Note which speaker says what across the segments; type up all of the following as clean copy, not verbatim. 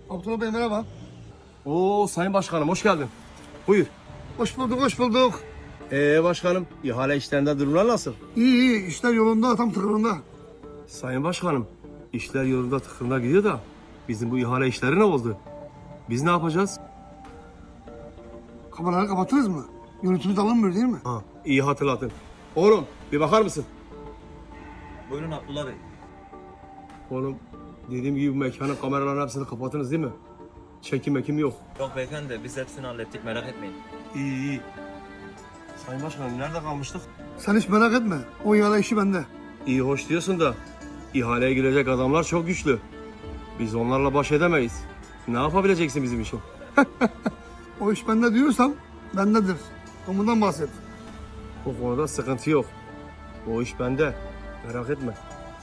Speaker 1: Abdullah Bey merhaba.
Speaker 2: Oo Sayın Başkanım hoş geldin. Buyur.
Speaker 1: Hoş bulduk, hoş bulduk.
Speaker 2: Başkanım ihale işlerinde durumlar nasıl?
Speaker 1: İyi iyi, işler yolunda, tam tıkırında.
Speaker 2: Sayın Başkanım işler yolunda tıkırında gidiyor da bizim bu ihale işleri ne oldu? Biz ne yapacağız?
Speaker 1: Kameraları kapatırız mı? Görüntümüz alınmıyor değil mi?
Speaker 2: Ha, iyi hatırlatın. Oğlum bir bakar mısın?
Speaker 3: Buyurun Abdullah Bey.
Speaker 2: Oğlum dediğim gibi bu mekanın kameraların hepsini kapatınız değil mi? Çekim mekim yok.
Speaker 3: Yok beyefendi biz hepsini hallettik merak etmeyin.
Speaker 2: İyi iyi. Sayın Başkanım nerede kalmıştık?
Speaker 1: Sen hiç merak etme. O ihale işi bende.
Speaker 2: İyi hoş diyorsun da ihaleye girecek adamlar çok güçlü. Biz onlarla baş edemeyiz. Ne yapabileceksin bizim için?
Speaker 1: O iş bende diyorsam bendedir. Ondan bahset.
Speaker 2: O konuda sıkıntı yok. O iş bende. Merak etme.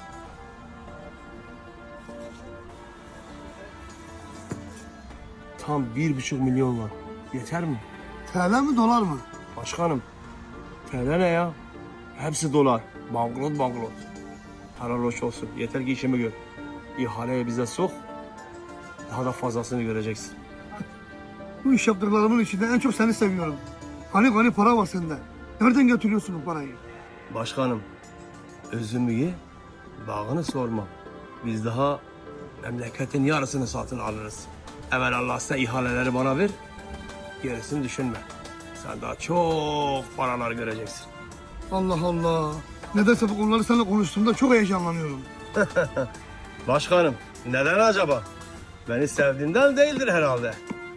Speaker 2: Tam 1,5 milyon var. Yeter mi?
Speaker 1: TL mi dolar mı?
Speaker 2: Başkanım. TL ne ya? Hepsi dolar. Bankrot bankrot. Helal hoş olsun. Yeter ki işimi gör. İhaleye bize sok. Daha da fazlasını göreceksin.
Speaker 1: Bu iş yaptıklarımın içinde en çok seni seviyorum. Hani para var sende. Nereden getiriyorsun bu parayı?
Speaker 2: Başkanım. Özümü ye. Bağını sorma. Biz daha memleketin yarısını satın alırız. Evelallah sen ihaleleri bana ver. Gerisini düşünme. Sen daha çok paralar göreceksin.
Speaker 1: Allah Allah. Nedense bu konuları seninle konuştuğumda çok heyecanlanıyorum.
Speaker 2: Başkanım neden acaba? Beni sevdiğinden değildir herhalde.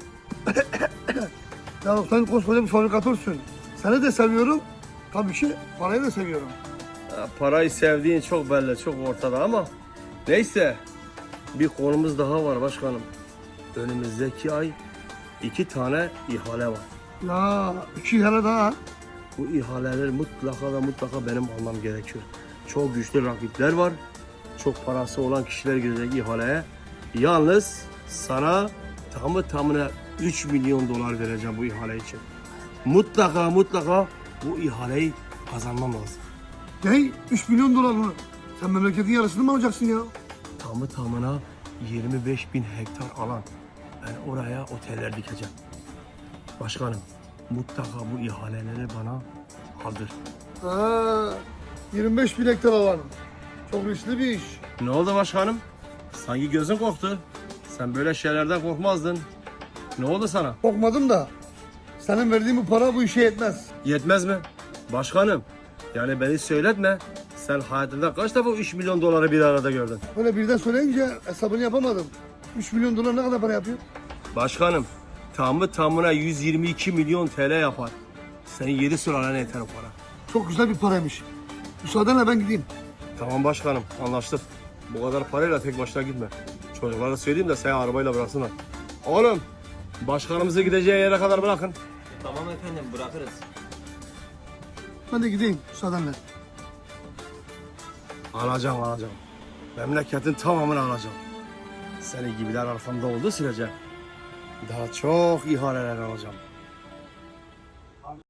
Speaker 1: Ya sen koskoca bir fabrikatörsün. Seni de seviyorum. Tabii ki parayı da seviyorum.
Speaker 2: Parayı sevdiğin çok belli, çok ortada ama neyse bir konumuz daha var başkanım. Önümüzdeki ay 2 tane ihale var.
Speaker 1: Ya 2 ihale daha.
Speaker 2: Bu ihaleleri mutlaka benim almam gerekiyor. Çok güçlü rakipler var. Çok parası olan kişiler girecek ihaleye. Yalnız sana tamına 3 milyon dolar vereceğim bu ihale için. Mutlaka bu ihaleyi kazanmam lazım.
Speaker 1: Ne? 3 milyon dolar mı? Sen memleketin yarısını mı alacaksın ya?
Speaker 2: Tamına 25.000 hektar alan. Ben oraya oteller dikeceğim. Başkanım mutlaka bu ihaleleri bana aldır.
Speaker 1: Ha, 25 bin hektar alan. Çok riskli bir iş.
Speaker 2: Ne oldu başkanım? Sanki gözün korktu. Sen böyle şeylerden korkmazdın. Ne oldu sana?
Speaker 1: Korkmadım da. Senin verdiğin bu para bu işe yetmez.
Speaker 2: Yetmez mi? Başkanım, yani beni söyletme. Sen hayatında kaç defa 3 milyon doları bir arada gördün?
Speaker 1: Böyle birden söyleyince hesabını yapamadım. 3 milyon dolar ne kadar para yapıyor?
Speaker 2: Başkanım, tamına 122 milyon TL yapar. Senin 7 sürelene yeter o para.
Speaker 1: Çok güzel bir paraymış. Müsaadenle ben gideyim.
Speaker 2: Tamam başkanım, anlaştık. Bu kadar parayla tek başına gitme. Çocuklara söyleyeyim de seni arabayla bıraksınlar. Oğlum, başkanımızı gideceği yere kadar bırakın.
Speaker 3: Tamam efendim bırakırız.
Speaker 1: Ben de gideyim müsaadenle.
Speaker 2: Alacağım. Memleketin tamamını alacağım. Senin gibiler arkamda olduğu sürece daha çok ihaleler alacağım.